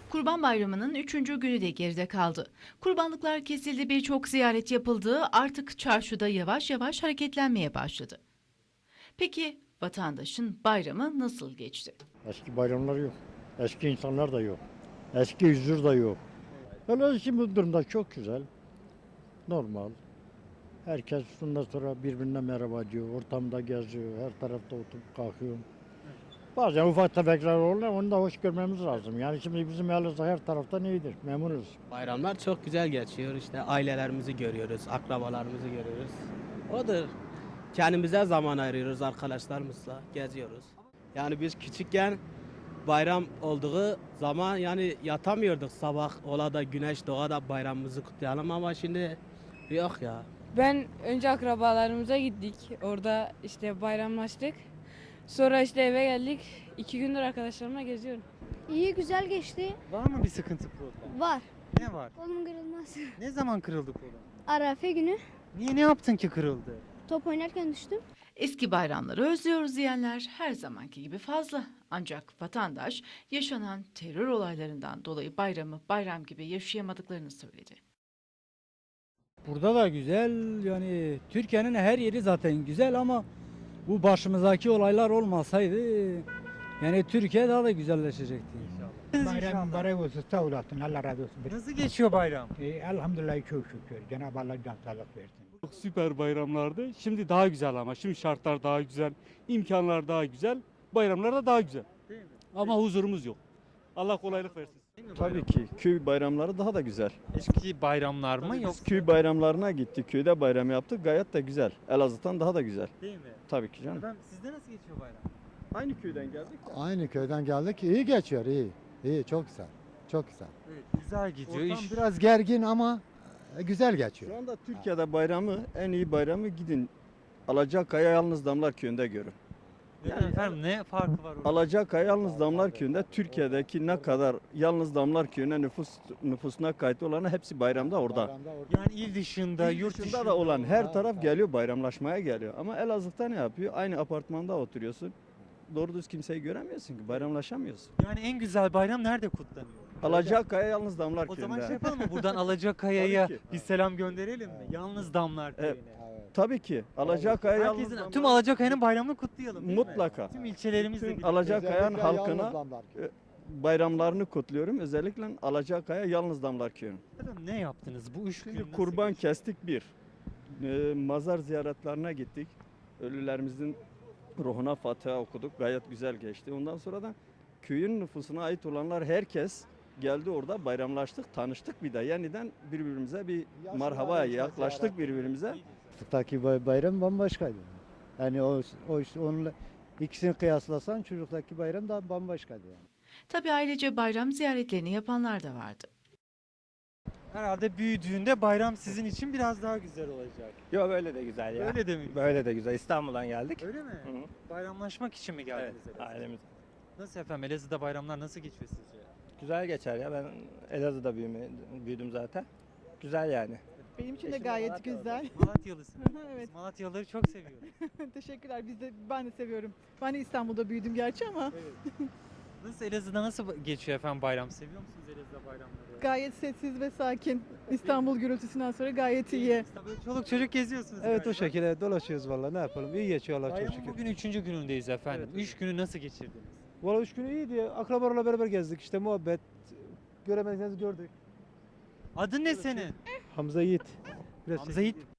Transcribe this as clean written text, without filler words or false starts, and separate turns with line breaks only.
Kurban Bayramı'nın 3. günü de geride kaldı. Kurbanlıklar kesildi, birçok ziyaret yapıldı, artık çarşıda yavaş yavaş hareketlenmeye başladı. Peki vatandaşın bayramı nasıl geçti?
Eski bayramlar yok. Eski insanlar da yok. Eski huzur da yok. Öyle şimdi bu durumda çok güzel. Normal. Herkes bundan sonra birbirine merhaba diyor. Ortamda geziyor. Her tarafta oturup kalkıyor. Bazen ufak tefekler olur, onu da hoş görmemiz lazım. Yani şimdi bizim Elazığ her taraftan iyidir. Memnunuz.
Bayramlar çok güzel geçiyor. İşte ailelerimizi görüyoruz, akrabalarımızı görüyoruz. Odur. Kendimize zaman ayırıyoruz arkadaşlarımızla, geziyoruz. Yani biz küçükken bayram olduğu zaman yani yatamıyorduk sabah ola da güneş doğa da bayramımızı kutlayalım ama şimdi yok ya.
Ben önce akrabalarımıza gittik. Orada işte bayramlaştık. Sonra işte eve geldik. 2 gündür arkadaşlarımla geziyorum.
İyi güzel geçti.
Var mı bir sıkıntı problem?
Var.
Ne var?
Kolum kırılmaz.
Ne zaman kırıldı kolun?
Arafe günü
Niye ne yaptın ki kırıldı?
top oynarken düştüm.
Eski bayramları özlüyoruz diyenler her zamanki gibi fazla. Ancak vatandaş yaşanan terör olaylarından dolayı bayramı bayram gibi yaşayamadıklarını söyledi.
Burada da güzel, yani Türkiye'nin her yeri zaten güzel ama bu başımızdaki olaylar olmasaydı yani Türkiye daha da güzelleşecekti.
Bayram mübarek olsun, sağ olasın, Allah razı olsun.
Nasıl geçiyor bayram?
Elhamdülillah çok şükür, Cenab-ı Allah can sağlık versin.
Çok süper bayramlardı. Şimdi daha güzel ama. Şimdi şartlar daha güzel, imkanlar daha güzel, bayramlar da daha güzel.
Değil mi?
Ama huzurumuz yok. Allah kolaylık versin.
Tabii ki köy bayramları daha da güzel.
Eski bayramlar mı
Biz
yoksa?
köy bayramlarına gittik, köyde bayram yaptık, gayet de güzel. Elazığ'dan daha da güzel.
Değil mi?
Tabii ki canım.
Efendim sizde nasıl geçiyor bayram?
Aynı köyden geldik.
Aynı köyden geldik. İyi geçiyor, iyi. İyi, çok güzel. Çok güzel.
Evet, güzel gidiyor.
Ortam
İş...
biraz gergin ama güzel geçiyor.
Şu anda Türkiye'de bayramı, en iyi bayramı gidin Alacakaya Yalnız Damlar Köyü'nde görün.
Yani efendim ne farkı var orada?
Alacakaya Yalnız Damlar Köyü'nde Türkiye'deki ne kadar Yalnız Damlar Köyü'ne nüfusuna kayıtlı olanı hepsi bayramda orada.
Yani il dışında, yurt
Dışında da olan her taraf geliyor, bayramlaşmaya geliyor. Ama Elazığ'da ne yapıyor? Aynı apartmanda oturuyorsun. Doğru düz kimseyi göremiyorsun ki, bayramlaşamıyorsun.
Yani en güzel bayram nerede kutlanıyor?
Alacakaya Yalnız Damlar
O
Köyü'nde.
zaman şey yapalım mı? Buradan Alacakaya'ya
Tabii ki.
bir selam gönderelim mi? Yalnız Damlar
Evet.
Köyü'ne.
Tabii ki. Alacakaya Yalnız
Herkesin,
Damlar
tüm Alacakaya'nın bayramını kutlayalım değil mi?
Mutlaka.
Tüm ilçelerimizle
Tüm
birlikte.
Alacakaya'nın halkına bayramlarını kutluyorum. Özellikle Alacakaya Yalnız Damlar Köyü'nün.
Efendim ne yaptınız bu 3 gün?
Şimdi
nasıl
kurban
geçti?
kestik bir. Mazar ziyaretlerine gittik. Ölülerimizin ruhuna Fatiha okuduk. Gayet güzel geçti. Ondan sonra da köyün nüfusuna ait olanlar herkes geldi orada bayramlaştık, tanıştık bir de. Yeniden birbirimize bir merhaba yaklaştık birbirimize.
Çocuktaki bayram bambaşkaydı. Yani onunla ikisini kıyaslasan çocuktaki bayram da bambaşkaydı yani.
Tabii ailece bayram ziyaretlerini yapanlar da vardı.
Herhalde büyüdüğünde bayram sizin için biraz daha güzel olacak.
Yok böyle de güzel ya.
Öyle de mi?
Böyle de güzel. İstanbul'dan geldik.
Öyle mi?
Hı.
Bayramlaşmak için mi
Evet,
geldiniz Elazığ'a?
ailemiz.
Nasıl efendim Elazığ'da bayramlar nasıl geçiyor sizce?
Güzel geçer ya. Ben Elazığ'da büyüdüm zaten. Güzel yani.
Benim için de gayet güzel.
Malatyalısın.
Evet.
Biz Malatyalıları çok seviyoruz.
Teşekkürler. Ben de seviyorum. Ben de İstanbul'da büyüdüm gerçi ama
Nasıl Elazığ'da nasıl geçiyor efendim bayram? Seviyor musunuz Elazığ'da bayramları?
gayet sessiz ve sakin. İstanbul gürültüsünden sonra gayet iyi.
Böyle çoluk çocuk geziyorsunuz
Evet,
galiba.
o şekilde dolaşıyoruz vallahi, ne yapalım, iyi geçiyor Allah çok
Bayramın
şükür.
bugün 3. günündeyiz efendim. 3 günü nasıl geçirdiniz?
Valla 3 günü iyiydi, akrabalarla beraber gezdik, işte muhabbet, göremediğinizi gördük.
Adın ne senin?
Hamza Yiğit. Biraz
Hamza Yiğit.